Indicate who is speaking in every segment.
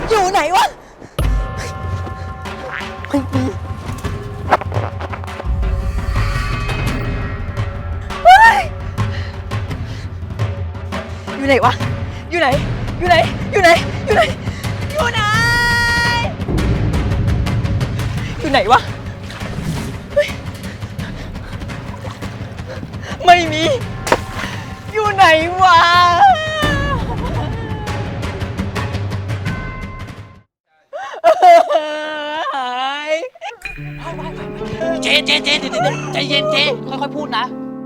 Speaker 1: อยู่ไหนวะไม่มีอยู่ไหนวะอยู่ไหนอยู่ไหนอยู่ไหนอยู่ไหนอยู่ไหนอยู่ไหนวะไม่มีอยู่ไหนวะหาย
Speaker 2: เจ๊เดี๋ยวใจเย็นเจ๊ค่อยๆพูดนะ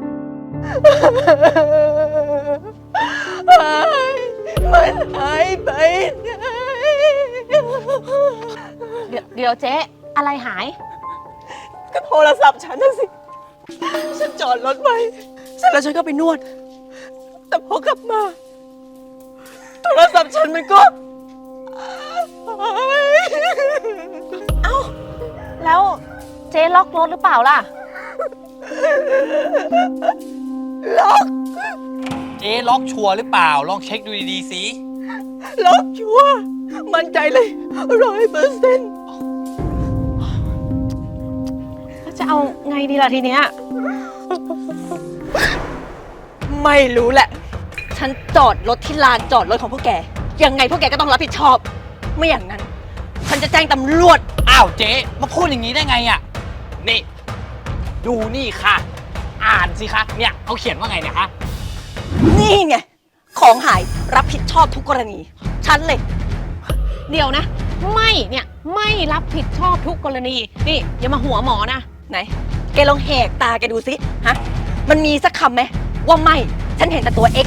Speaker 1: มันหายไปไหน
Speaker 3: เดี๋ยวเจ๊อะไรหาย
Speaker 1: ก็โทรศัพท์ฉันน่ะสิ ฉันจอดรถไว้เสร็จแล้วฉันก็ไปนวด แต่พอกลับมา โทรศัพท์ฉันมันก็หาย
Speaker 3: เอ้า แล้วเจ๊ล็อกรถหรือเปล่าล่ะ
Speaker 1: ล็อก
Speaker 2: เจ๊ล็อกชัวร์หรือเปล่าลองเช็คดูดีๆสิ
Speaker 1: ล็อกชัวร์มั่นใจเลย100%
Speaker 3: จะเอาไงดีล่ะทีเนี้ย
Speaker 1: ไม่รู้แหละ ฉันจอดรถที่ลานจอดรถของพวกแก ยังไงพวกแกก็ต้องรับผิดชอบ ไม่อย่างนั้น ฉันจะแจ้งตำรวจ
Speaker 2: อ้าวเจ๊มาพูดอย่างนี้ได้ไงอ่ะนี่ดูนี่ค่ะ อ่านสิคะเนี่ยเขาเขียนว่าไงเนี่ยคะ
Speaker 1: นี่ไง ของหายรับผิดชอบทุกกรณี ฉันเลย
Speaker 3: เดี๋ยวนะ ไม่เนี่ยไม่รับผิดชอบทุกกรณี นี่อย่ามาหัวหมอนะ
Speaker 1: ไหน แกลองแหกตาแกดูสิ ฮะ มันมีสักคำไหมว่าไม่ ฉันเห็นแต่ตัว X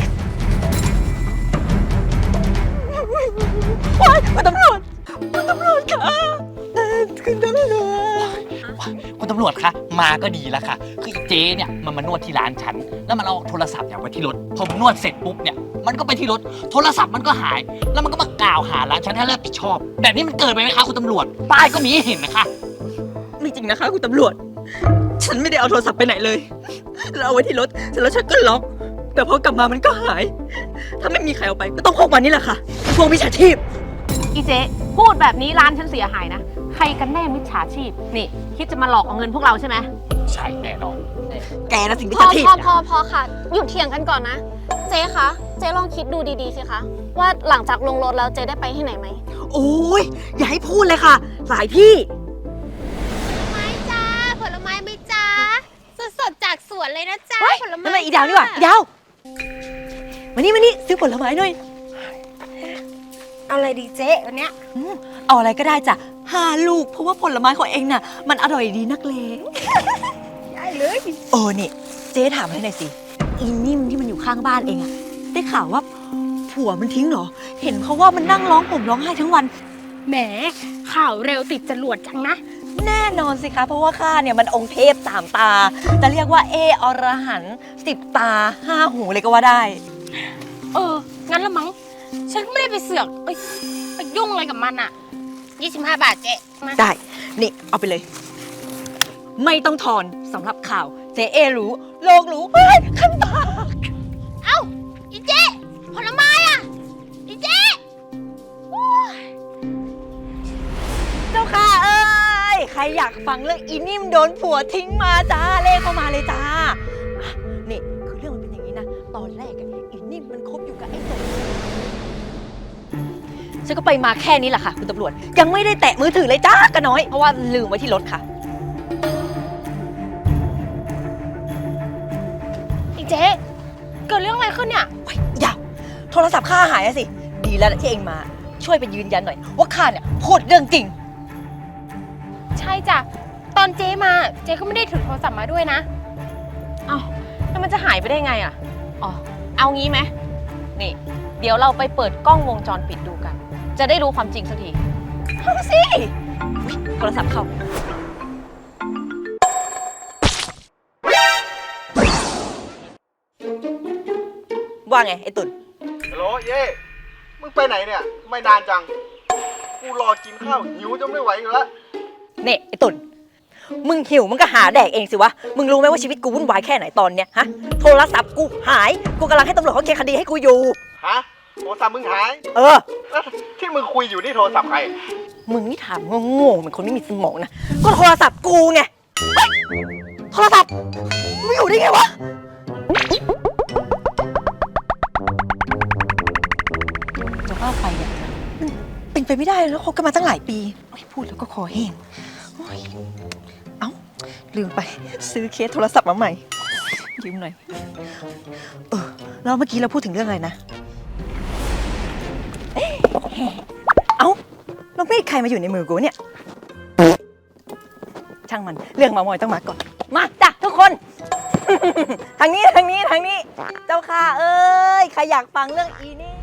Speaker 1: ว้ายคุณตำรวจคุณตำรวจค่ะคุณตำรวจ
Speaker 2: คุณตำรวจคะมาก็ดีแล้วค่ะคืออีเจ๊เนี่ยมันมานวดที่ร้านฉันแล้วมันเอาโทรศัพท์เนี่ยไว้ที่รถพอผมนวดเสร็จปุ๊บเนี่ยมันก็ไปที่รถโทรศัพท์มันก็หาย แล้วมันก็มากล่าวหาร้านฉันให้รับผิดชอบแบบนี้มันเกินไปไหมคะคุณตำรวจป้ายก็มีให้เห็นนะคะ
Speaker 1: ไม่จริงนะคะคุณตำรวจ ฉันไม่ได้เอาโทรศัพท์ไปไหนเลยแล้วเอาไว้ที่รถเสร็จแล้วฉันก็ล็อก แต่พอกลับมามันก็หาย ถ้าไม่มีใครเอาไปก็ต้องพวกมันนี่แหละค่ะ พวกมิจฉาชีพ
Speaker 3: อีเจ๊พูดแบบนี้ร้านฉันเสียหายนะ ใครกันแน่มิจฉาชีพ นี่ คิดจะมาหลอกเอาเงินพวกเราใช่ไหม
Speaker 2: ใช่แน่นอน
Speaker 1: แกนะสิมิจ
Speaker 4: พอ
Speaker 1: ฉาชีพ
Speaker 4: พอค่ะ หยุดเถียงกันก่อนนะ เจ๊คะ เจ๊ลองคิดดูดีๆสิคะ ว่าหลังจากลงรถแล้วเจ๊ได้ไปที่ไหนไหม
Speaker 1: โอ้ยอย่าให้พูดเลยค่ะ หลายที่
Speaker 5: ไม้จ้าผลไม้ไหมจ้าสดๆจากสวนเลยนะจ้าผลไม้
Speaker 1: นั่นมันอีดาวนี่หว่าอีดาวมานี่ซื้อผลไม้หน่อย
Speaker 5: เอาอะไรดีเจ๊วันเนี้ย
Speaker 1: เอาอะไรก็ได้จ้ะ5 ลูก เพราะว่าผลไม้ของเองน่ะ มันอร่อยดีนักเลง
Speaker 5: ได้เลย
Speaker 1: โอ้นี่ เจ๊ถามให้หน่อยสิ อีนิ่มที่มันอยู่ข้างบ้านเองอะได้ข่าวว่าผัวมันทิ้งเหรอ เห็นเขาว่ามันนั่งร้องห่มร้องไห้ทั้งวัน
Speaker 5: แหมข่าวเร็วติดจรวดจังนะ
Speaker 1: แน่นอนสิคะ เพราะว่าข้าเนี่ยมันองค์เทพ3 ตา จะเรียกว่าอรหันต์10 ตา 5 หูเลยก็ว่าได้
Speaker 5: งั้นละมั้ง ฉันก็ไม่ได้ไปเสือกไปยุ่งอะไรกับมันอะ25 บาทเจ๊มา
Speaker 1: ได้ นี่ เอาไปเลย ไม่ต้องทอนสำหรับข่าว เจ๊รู้ โลกรู้เฮ้ยขั้นตา
Speaker 5: เอ้าอีเจ๊ผลไม้อะอีเจ๊
Speaker 1: เจ้าค่ะเอ้ย ใครอยากฟังเรื่องอีนิ่มโดนผัวทิ้งมาจ้า เลขเข้ามาเลยจ้าอ่ะนี่คือเรื่องมันเป็นอย่างนี้นะ ตอนแรกอะอีนิ่มมันคบอยู่กับไอ้สมฉันก็ไปมาแค่นี้แหละค่ะคุณตำรวจ ยังไม่ได้แตะมือถือเลยจ้ากระน้อย เพราะว่าลืมไว้ที่รถค่ะ
Speaker 5: อีเจ๊เกิดเรื่องอะไรขึ้นเนี่ย
Speaker 1: เฮ้ยอย่าโทรศัพท์ข้าหายอะสิ ดีแล้วที่เองมา ช่วยไปยืนยันหน่อย ว่าข้าเนี่ยพูดเรื่องจริง
Speaker 5: ใช่จ้ะ ตอนเจ๊มาเจ๊ก็ไม่ได้ถือโทรศัพท์มาด้วยนะ
Speaker 3: เอ้าแล้วมันจะหายไปได้ไงอ่ะ อ๋อ เอางี้ไหมนี่ เดี๋ยวเราไปเปิดกล้องวงจรปิดดูกัน จะได้รู้ความจริงสักที
Speaker 1: เอาสิอุ๊ยโทรศัพท์เข้า ว่าไง ไอ้ตุ่น
Speaker 6: ฮัลโหลเย่มึงไปไหนเนี่ย ไม่นานจัง กูรอกินข้าวหิวจนไม่ไหวอยู่แล้ว
Speaker 1: เนี่ยไอ้ตุ่น มึงหิวมึงก็หาแดกเองสิวะ มึงรู้ไหมว่าชีวิตกูวุ่นวายแค่ไหนตอนเนี้ยฮะ โทรศัพท์กูหาย กูกำลังให้ตำรวจเขาเคลียร์คดีให้กูอยู่
Speaker 6: ฮะโทรศัพท์มึงหาย
Speaker 1: เออ
Speaker 6: แล้วที่มึงคุยอยู่นี่โทรศัพท์ใคร
Speaker 1: มึงนี่ถามโง่ๆเหมือนคนไม่มีสมองนะ ก็โทรศัพท์กูไงเฮ้ยโทรศัพท์ไม่อยู่ได้ไงวะจะว่าไปเนี่ยมันเป็นไปไม่ได้แล้วคบกันมาตั้งหลายปีโอ้ยพูดแล้วก็คอแห้งโอ้ยเอ้าลืมไปซื้อเคสโทรศัพท์มาใหม่ยืมหน่อยแล้วเมื่อกี้เราพูดถึงเรื่องอะไรนะเอ้าแล้วมีดใครมาอยู่ในมือกูเนี่ยช่างมันเรื่องเมามอยต้องมาก่อนมาจ้ะทุกคน ทางนี้ทางนี้ทางนี้ เจ้าค่ะเอ้ยใครอยากฟังเรื่องอีนี่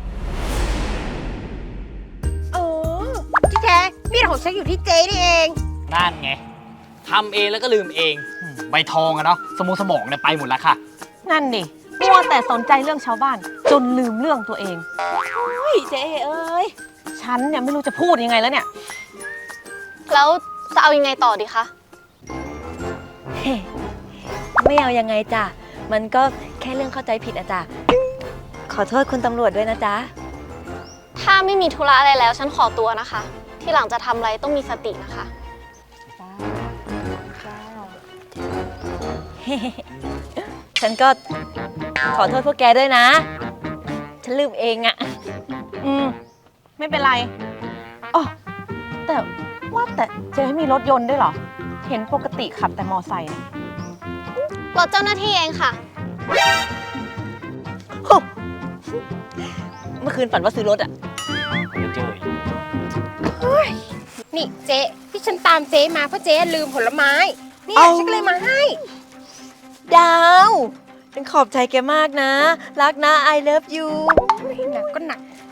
Speaker 5: เออที่แท้มีดของฉันอยู่ที่เจ๊นี่เอง
Speaker 2: นั่นไงทำเองแล้วก็ลืมเองใบทองอะเนาะสมองเนี่ยไปหมดแล้วค่ะ
Speaker 3: นั่นดิมัวแต่สนใจเรื่องชาวบ้าน จนลืมเรื่องตัวเองเฮ้ยเจ๊เอ้ยฉันเนี่ยไม่รู้จะพูดยังไงแล้วเนี่ย
Speaker 4: แล้วจะเอายังไงต่อดีคะ
Speaker 1: ไม่เอายังไงจ้ะมันก็แค่เรื่องเข้าใจผิดอะจ้ะขอโทษคุณตำรวจด้วยนะจ๊ะ
Speaker 4: ถ้าไม่มีธุระอะไรแล้ว ฉันขอตัวนะคะ ที่หลังจะทำอะไรต้องมีสตินะคะ
Speaker 1: ฉันก็ขอโทษพวกแกด้วยนะ ฉันลืมเองอะ
Speaker 3: ไม่เป็นไรอ๋อแต่ว่าแต่เจ๊มีรถยนต์ด้วยเหรอ เห็นปกติขับแต่มอไซค์นะ
Speaker 4: รถเจ้าหน้าที่เองค่ะ
Speaker 1: เมื่อคืนฝันว่าซื้อรถอะ
Speaker 2: ไม่เจออีก
Speaker 5: นี่เจ๊ที่ฉันตามเจ๊มาเพราะเจ๊ลืมผลไม้เนี่ยฉันก็เลยมาให้
Speaker 1: ดาวฉันขอบใจแกมากนะ รักนะ I love you
Speaker 5: หนักก็หนัก